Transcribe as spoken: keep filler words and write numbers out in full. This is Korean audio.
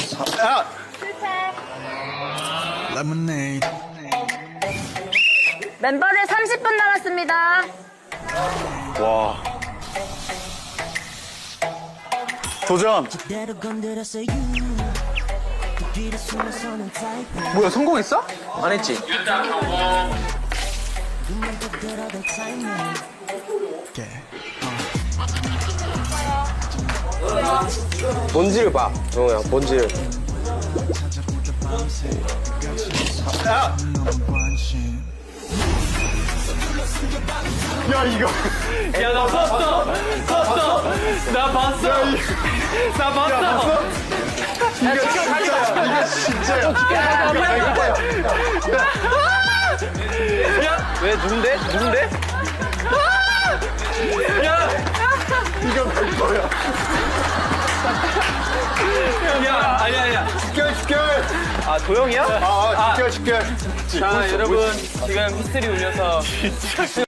야! Lemonade. 멤버들 삼십 분 남았습니다. 와. 도전. 뭐야, 성공했어? 안 했지? Yeah. 본질을 봐, 정우야, 본질. 야! 야, 이거. 야, 나 봤어! 봤어! 나 봤어! 나 봤어! 이거 진짜야. 이거 진짜야. 왜, 누군데? 누군데? 야! 이거 백 퍼야. 야, 아니야, 아니야. 집결, 집결. 아, 도영이야? 아, 아, 집결, 집결. 자, 여러분, 지금 히스테리 울려서.